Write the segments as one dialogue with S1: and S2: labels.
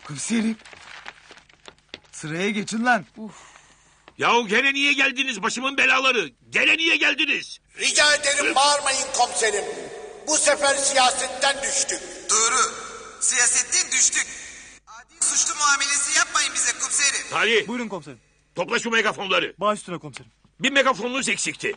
S1: Komiserim. Sıraya geçin lan.
S2: Yahu gene niye geldiniz başımın belaları? Gene niye geldiniz?
S3: Rica ederim bağırmayın komiserim. Bu sefer siyasetten düştük.
S4: Doğru. Siyasetten düştük. Adi suçlu muamelesi yapmayın bize komiserim.
S2: Salih
S1: Buyurun komiserim.
S2: topla şu megafonları.
S1: Baş üstüne komiserim.
S2: Bir megafonunuz eksikti.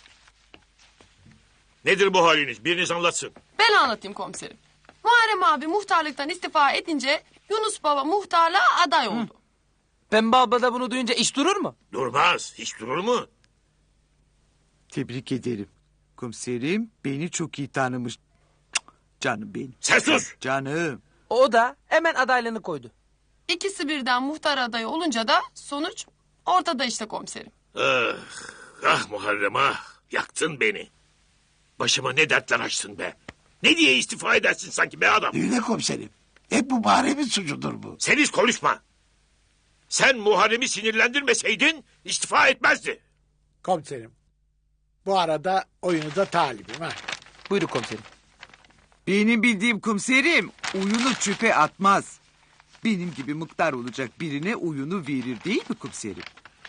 S2: Nedir bu haliniz? Biriniz anlatsın.
S5: Ben anlatayım komiserim. Muharrem abi muhtarlıktan istifa edince Yunus Baba muhtarlığa aday oldu.
S6: Pembe abla da bunu duyunca iş durur mu?
S2: Durmaz. Hiç durur mu?
S1: Tebrik ederim. Komiserim beni çok iyi tanımış. Cık, canım benim.
S2: Sen sus.
S1: Canım.
S6: O da hemen adaylığını koydu.
S5: İkisi birden muhtar adayı olunca da sonuç ortada işte komiserim.
S2: Ah Muharrem ah. Yaktın beni. Başıma ne dertler açtın be. Ne diye istifa edersin sanki be adam?
S3: Öyle komiserim. Hep bu Muharrem'in suçudur bu.
S2: Sen hiç konuşma. Sen Muharrem'i sinirlendirmeseydin istifa etmezdi.
S7: Komiserim. Bu arada oyunuza talibim ha.
S6: Buyurun komiserim.
S1: Benim bildiğim komiserim oyunu çöpe atmaz. Benim gibi mıktar olacak birine oyunu verir değil mi komiserim?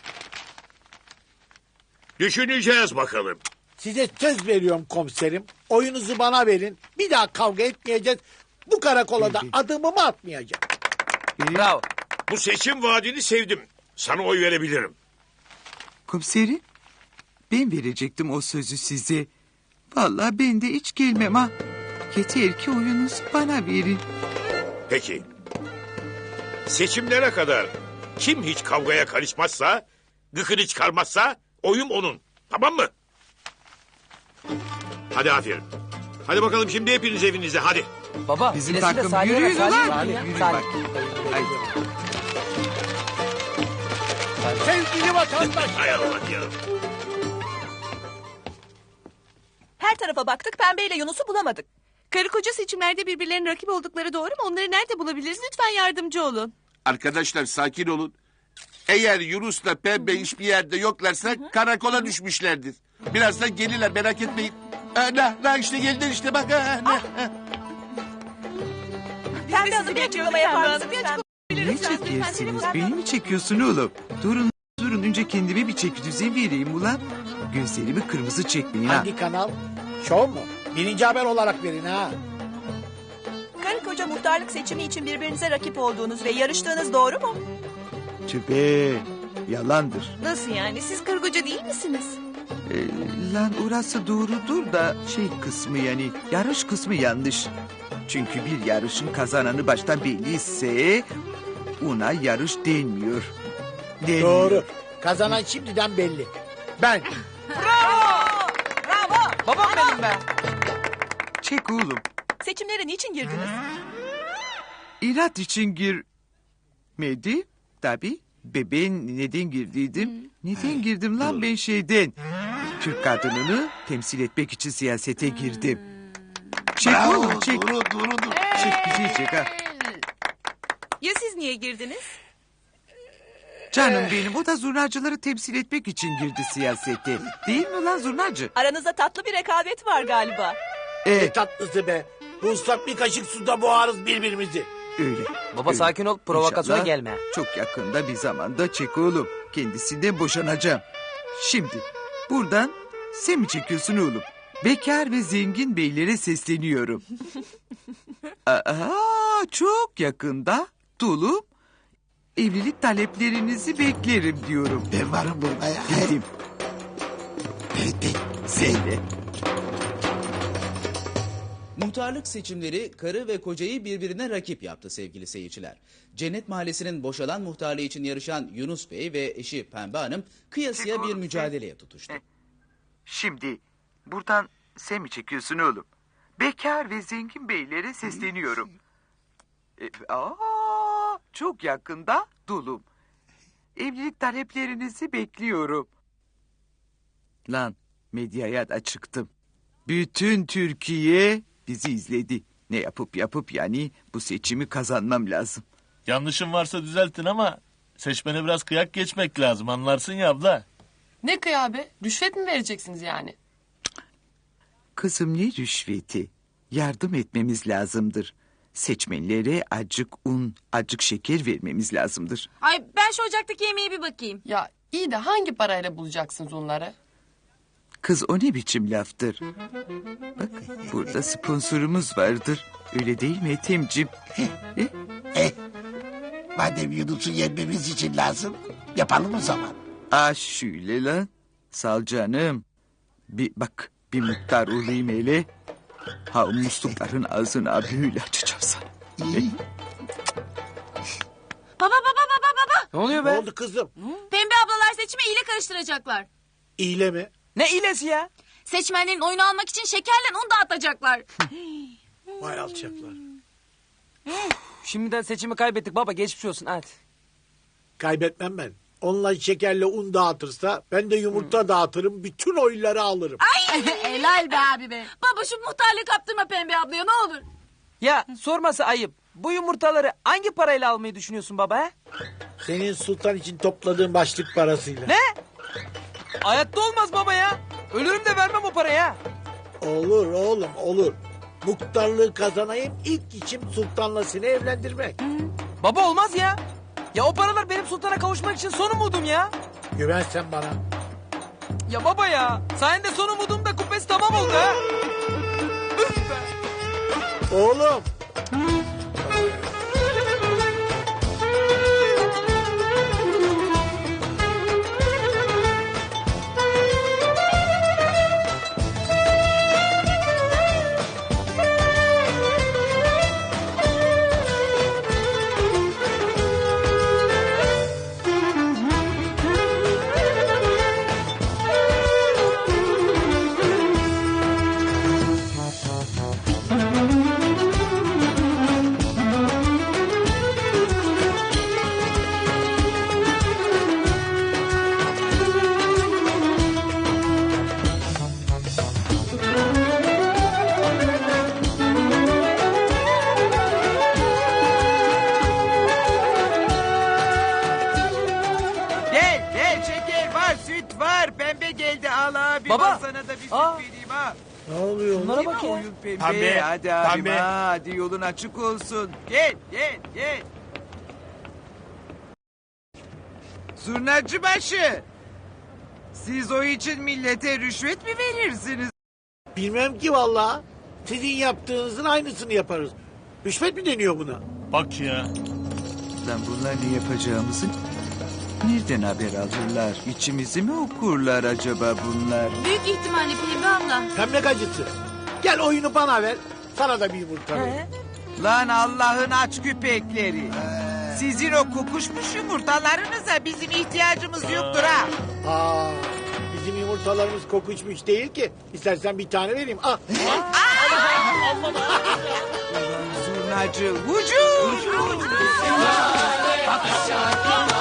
S2: Düşüneceğiz bakalım.
S7: Size söz veriyorum komiserim. Oyunuzu bana verin. Bir daha kavga etmeyeceğiz. Bu karakola da adımımı atmayacağım.
S6: Bravo.
S2: Bu seçim vaadini sevdim. Sana oy verebilirim.
S1: Komiserim ben verecektim o sözü size. Vallahi ben de hiç gelmem ha. Yeter ki oyunuzu bana verin.
S2: Peki. Seçimlere kadar kim hiç kavgaya karışmazsa, gıkını çıkarmazsa oyum onun. Tamam mı? Hadi aferin. Hadi bakalım şimdi hepiniz evinize hadi.
S6: Baba.
S1: Bizim
S6: ilesi de
S1: takım
S6: Salih'e
S1: yürüyün
S6: ver,
S1: ulan.
S6: Salih.
S1: Yürüyün
S6: Salih.
S1: bak. Haydi.
S7: Sevgili vatandaş.
S2: Hay Allah ya.
S8: Her tarafa baktık, Pembe ile Yunus'u bulamadık. Karı koca seçimlerde birbirlerinin rakip oldukları doğru mu? Onları nerede bulabiliriz? Lütfen yardımcı olun.
S9: Arkadaşlar sakin olun. Eğer Yunus'la Pembe hiçbir yerde yoklarsa karakola düşmüşlerdir. Birazdan gelirler merak etmeyin. İşte geldiler işte bak.
S8: Pembe Hanım bir açıklama yapar mısın? Bir açıklama
S1: Ne çekiyorsunuz? Beni mi çekiyorsun oğlum? Durun önce kendime bir çeki düzen vereyim ulan. Gözlerimi kırmızı çekmeyin ha.
S7: Hangi kanal? Şov mu? Birinci haber olarak verin ha.
S8: Karı koca muhtarlık seçimi için birbirinize rakip olduğunuz ve yarıştığınız doğru mu?
S1: Tübe yalandır.
S8: Nasıl yani? Siz karı koca değil misiniz?
S1: Lan orası doğrudur da şey kısmı yani yarış kısmı yanlış. Çünkü bir yarışın kazananı baştan belliyse ona yarış denmiyor.
S7: Doğru. Kazanan şimdiden belli. Ben.
S8: Bravo!
S6: Babam benim be.
S1: Çek oğlum.
S8: Seçimlere niçin girdiniz?
S1: İnat için girmedi. Tabii. Ben neden girdiydim? Neden girdim lan ben şeyden? Türk kadınını temsil etmek için siyasete girdim. Çek oğlum çek.
S3: Doğru.
S1: Çek güzel çek ha.
S8: Ya siz niye girdiniz?
S1: Canım benim o da zurnacıları temsil etmek için girdi siyasete. Değil mi lan zurnacı?
S8: Aranızda tatlı bir rekabet var galiba.
S7: Ne tatlısı be. Bu ıslak bir kaşık suda boğarız birbirimizi.
S1: Öyle.
S6: Baba
S1: öyle.
S6: sakin ol, provokasyona
S1: İnşallah
S6: gelme.
S1: Çok yakında bir zamanda çek oğlum. Kendisinden boşanacağım. Şimdi buradan sen mi çekiyorsun oğlum? Bekar ve zengin beylere sesleniyorum. Çok yakında dolum evlilik taleplerinizi beklerim diyorum.
S3: Ben varım burada ya.
S1: Dedim. Sen de.
S10: Muhtarlık seçimleri karı ve kocayı birbirine rakip yaptı sevgili seyirciler. Cennet Mahallesi'nin boşalan muhtarlığı için yarışan Yunus Bey ve eşi Pembe Hanım kıyasıya bir mücadeleye tutuştu.
S1: Şimdi buradan sen mi çekiyorsun oğlum? Bekar ve zengin beylere sesleniyorum. Çok yakında dolum. Evlilik taleplerinizi bekliyorum. Lan medyaya da çıktım. Bütün Türkiye bizi izledi. Ne yapıp yani bu seçimi kazanmam lazım.
S11: Yanlışım varsa düzeltin ama seçmene biraz kıyak geçmek lazım, anlarsın ya abla.
S5: Ne kıyabe? Rüşvet mi vereceksiniz yani?
S1: Kızım ne rüşveti? Yardım etmemiz lazımdır. seçmenlere acık un, acık şeker vermemiz lazımdır.
S8: Ay ben şu ocaktaki yemeğe bir bakayım.
S5: Ya iyi de hangi parayla bulacaksınız onları?
S1: Kız o ne biçim laftır? Bak burada sponsorumuz vardır. Öyle değil mi Ethem'cim?
S3: Madem Yunus'u yenmemiz için lazım, yapalım o zaman.
S1: Şöyle lan. Sal canım. Bir muhtar olayım hele. Ha o muslukların ağzını böyle açacağım sana.
S8: Baba.
S6: Ne oluyor
S7: Ne
S6: be?
S7: oldu kızım?
S8: Pembe ablalar seçimi ile karıştıracaklar.
S7: İyile mi?
S6: Ne ilesi ya?
S8: Seçmenlerin oyunu almak için şekerle un dağıtacaklar.
S7: Vay alçaklar.
S6: Şimdiden seçimi kaybettik baba geçmiş olsun hadi.
S7: Kaybetmem ben. Onlar şekerle un dağıtırsa ben de yumurta dağıtırım. Bütün oyları alırım.
S8: Helal be abi be. Baba şu muhtarlığı kaptırma Pembe ablaya ne olur.
S6: Ya sorması ayıp. Bu yumurtaları hangi parayla almayı düşünüyorsun baba he?
S7: Senin sultan için topladığın başlık parasıyla.
S6: Ne? Hayatta olmaz baba ya. Ölürüm de vermem o parayı ha.
S7: Olur oğlum olur. Muhtarlığı kazanayım ilk işim sultanla seni evlendirmek.
S6: Baba olmaz ya. Ya o paralar benim sultana kavuşmak için son umudum ya.
S7: Güven sen bana.
S6: Ya baba ya. Sayende son umudum da kubbesi tamam oldu ha. Üf be.
S7: Oğlum.
S1: Gel şeker var, süt var. Pembe geldi al abi.
S6: Baba.
S1: Ben sana da bir süt vereyim ha.
S7: Ne oluyor?
S6: Bunlara
S1: Değil mi
S6: bak ya.
S1: oyun pembe?
S11: Pembe,
S1: Hadi abim
S11: pembe.
S1: ha. Hadi yolun açık olsun. Gel. Zurnacı başı. Siz o için millete rüşvet mi verirsiniz?
S7: Bilmem ki vallahi. Sizin yaptığınızın aynısını yaparız. Rüşvet mi deniyor buna?
S11: Bak ya.
S1: Lan bunlar ne yapacağımızı nereden haber alırlar? İçimizi mi okurlar acaba bunlar?
S8: Büyük ihtimalle Pembe abla.
S7: Pembe gacısı. Gel oyunu bana ver. Sana da bir yumurta vereyim.
S1: Lan Allah'ın aç köpekleri. Sizin o kokuşmuş yumurtalarınıza bizim ihtiyacımız yoktur ha.
S7: Bizim yumurtalarımız kokuşmuş değil ki. İstersen bir tane vereyim. Ah.
S1: Zurnacı hücum.